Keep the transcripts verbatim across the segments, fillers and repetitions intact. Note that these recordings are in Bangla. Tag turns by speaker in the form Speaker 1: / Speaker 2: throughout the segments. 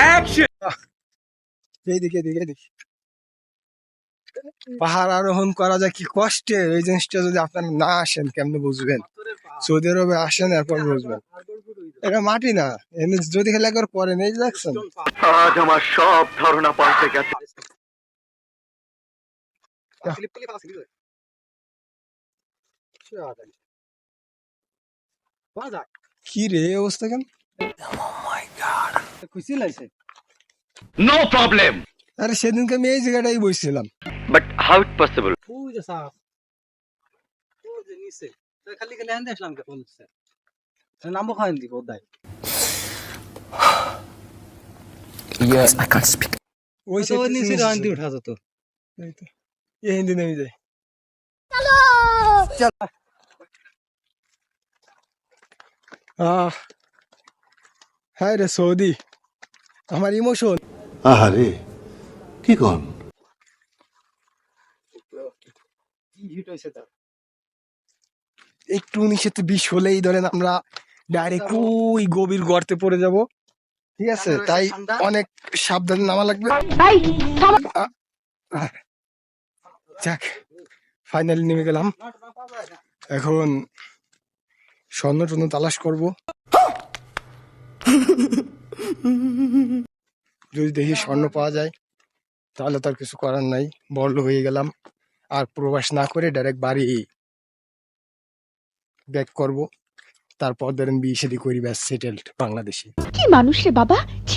Speaker 1: এইদিকে এদিকে এদিকে পাহাড় আরোহণ করা যায় কি কষ্টে, এই জিনিসটা যদি আপনারা না আসেন কেমনে বুঝবেন? সৌদি আরবে আসেন এরপর বুঝবেন। এটা মাটি না, এমনি যদি খেলে একবার পরে নেই দেখছেন।
Speaker 2: আজ আমার সব ধারণা পাল্টে গেছে।
Speaker 1: কি রে অবস্থা কেন?
Speaker 2: নো প্রবলেম,
Speaker 1: আরে সেদিনকে আমি এই জায়গাটাই বসছিলাম।
Speaker 2: But how it possible?
Speaker 3: খালি খালি আনতে আসলাম কে বলছে নামবো খাওয়ান দিব দাই
Speaker 4: Yes, I can't speak.
Speaker 1: ওই
Speaker 3: তো নিচে আনতে উঠা যেত
Speaker 1: এই হিন্দি নেমে যায়। আহ হ্যাঁ রে সৌদি, আমার ইমোশন।
Speaker 5: আহারে কি কন?
Speaker 1: একটু উনিশেতে বিশ হলেই ধরেন আমরা ডাইরেক্ট ওই গভীর গর্তে পড়ে যাব, ঠিক আছে? তাই অনেক সাবধানে নামা লাগবে। আহ, যাক ফাইনালি নেমে গেলাম। এখন স্বর্ণ টর্ণ তালাশ করব, যদি দেখি স্বর্ণ পাওয়া যায় তাহলে তার কিছু করার নাই, বড়লোক হয়ে গেলাম। আর প্রবাস না করে ডাইরেক্ট বাড়ি ব্যাক করব, তারপর ধরেন বিয়ে শাদী করি, ব্যাস সেটেলড বাংলাদেশে।
Speaker 6: কি মানুষ রে বাবা, ছি।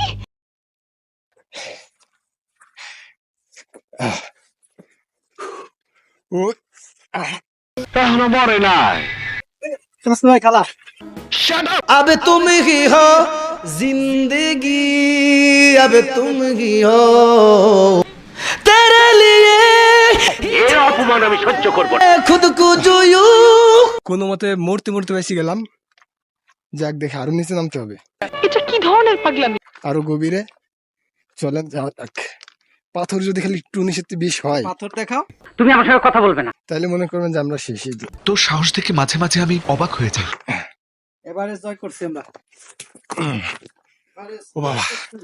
Speaker 1: ও আহ,
Speaker 2: এখনো মরে নাই।
Speaker 3: ভাই খালা
Speaker 2: শাট আপ।
Speaker 3: अब तुम ही हो जिंदगी अब तुम ही हो तेरे लिए
Speaker 2: এর অপমান আমি সহ্য করব না।
Speaker 3: खुद को जो यूं
Speaker 1: কোনো মতে মূর্তি মূর্তি বেশি গেলাম। যাক দেখে আরো নিচে নামতে হবে,
Speaker 6: এটা কি ধরনের পাগলামি?
Speaker 1: আরো গভীরে চলেন যাওয়া যাক। পাথর যদি খালি একটু নিচেতে বিষ হয়
Speaker 3: পাথর দেখাও
Speaker 2: তুমি আমার সঙ্গে কথা বলবে না।
Speaker 1: তাহলে মনে করবেন যে আমরা শেষই দিই।
Speaker 4: তোর সাহস দেখে মাঝে মাঝে আমি অবাক হয়ে যাই।
Speaker 3: এবারে জয় করছি আমরা।
Speaker 1: ও বাবা,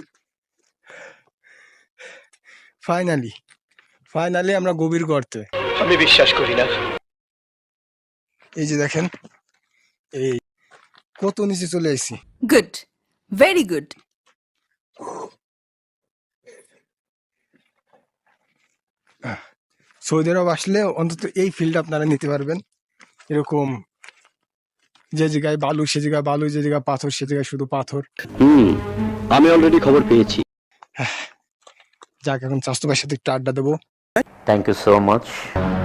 Speaker 1: ফাইনালি ফাইনালি আমরা গভীর গর্তে।
Speaker 2: আমি বিশ্বাস করি না।
Speaker 1: এই যে দেখেন, এই কত নিচে চলে এসেছি।
Speaker 6: Good, very good.
Speaker 1: সৌদি আরব আসলে অন্তত এই ফিল্ড আপনারা নিতে পারবেন। এরকম যে জায়গায় বালু সে জায়গায় বালু, যে জায়গায় পাথর সে জায়গায় শুধু পাথর।
Speaker 2: হুম, আমি অলরেডি খবর পেয়েছি।
Speaker 1: যাক এখন স্বাস্থ্য ভাইয়ের সাথে একটু আড্ডা দেবো।
Speaker 2: Thank you so much.